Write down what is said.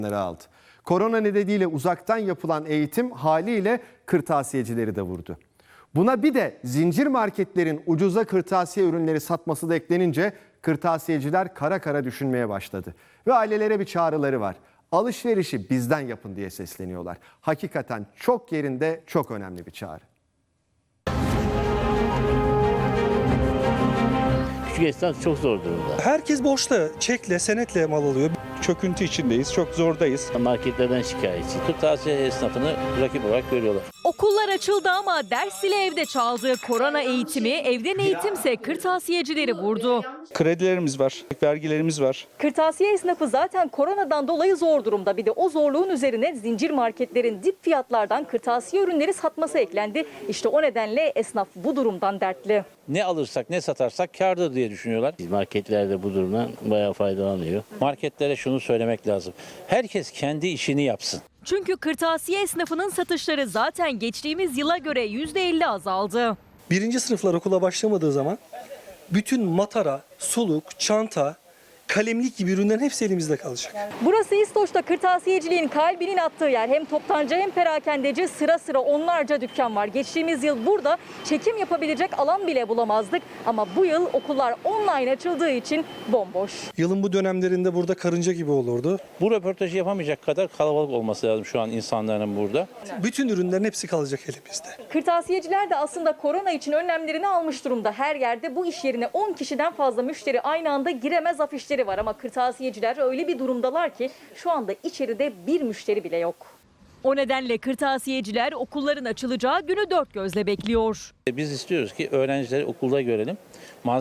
aldı. Korona nedeniyle uzaktan yapılan eğitim haliyle kırtasiyecileri de vurdu. Buna bir de zincir marketlerin ucuza kırtasiye ürünleri satması da eklenince kırtasiyeciler kara kara düşünmeye başladı. Ve ailelere bir çağrıları var. Alışverişi bizden yapın diye sesleniyorlar. Hakikaten çok yerinde, çok önemli bir çağrı. Küçük esnaf çok zor durumda. Herkes borçla, çekle, senetle mal alıyor. Çöküntü içindeyiz, çok zordayız. Marketlerden şikayetçi. Kırtasiye esnafını rakip olarak görüyorlar. Okullar açıldı ama ders ile evde çaldı. Korona eğitimi, evden eğitimse kırtasiyecileri vurdu. Kredilerimiz var, vergilerimiz var. Kırtasiye esnafı zaten koronadan dolayı zor durumda. Bir de o zorluğun üzerine zincir marketlerin dip fiyatlardan kırtasiye ürünleri satması eklendi. İşte o nedenle esnaf bu durumdan dertli. Ne alırsak ne satarsak kârdır diye düşünüyorlar. Marketler de bu durumdan bayağı faydalanıyor. Marketlere şunu söylemek lazım. Herkes kendi işini yapsın. Çünkü kırtasiye esnafının satışları zaten geçtiğimiz yıla göre %50 azaldı. Birinci sınıflar okula başlamadığı zaman bütün matara, suluk, çanta, kalemlik gibi ürünlerin hepsi elimizde kalacak. Burası İstoç'ta kırtasiyeciliğin kalbinin attığı yer. Hem toptancı hem perakendeci sıra sıra onlarca dükkan var. Geçtiğimiz yıl burada çekim yapabilecek alan bile bulamazdık. Ama bu yıl okullar online açıldığı için bomboş. Yılın bu dönemlerinde burada karınca gibi olurdu. Bu röportajı yapamayacak kadar kalabalık olması lazım şu an insanların burada. Bütün ürünlerin hepsi kalacak elimizde. Kırtasiyeciler de aslında korona için önlemlerini almış durumda. Her yerde bu iş yerine 10 kişiden fazla müşteri aynı anda giremez afişleri var. Ama kırtasiyeciler öyle bir durumdalar ki şu anda içeride bir müşteri bile yok. O nedenle kırtasiyeciler okulların açılacağı günü dört gözle bekliyor. Biz istiyoruz ki öğrencileri okulda görelim.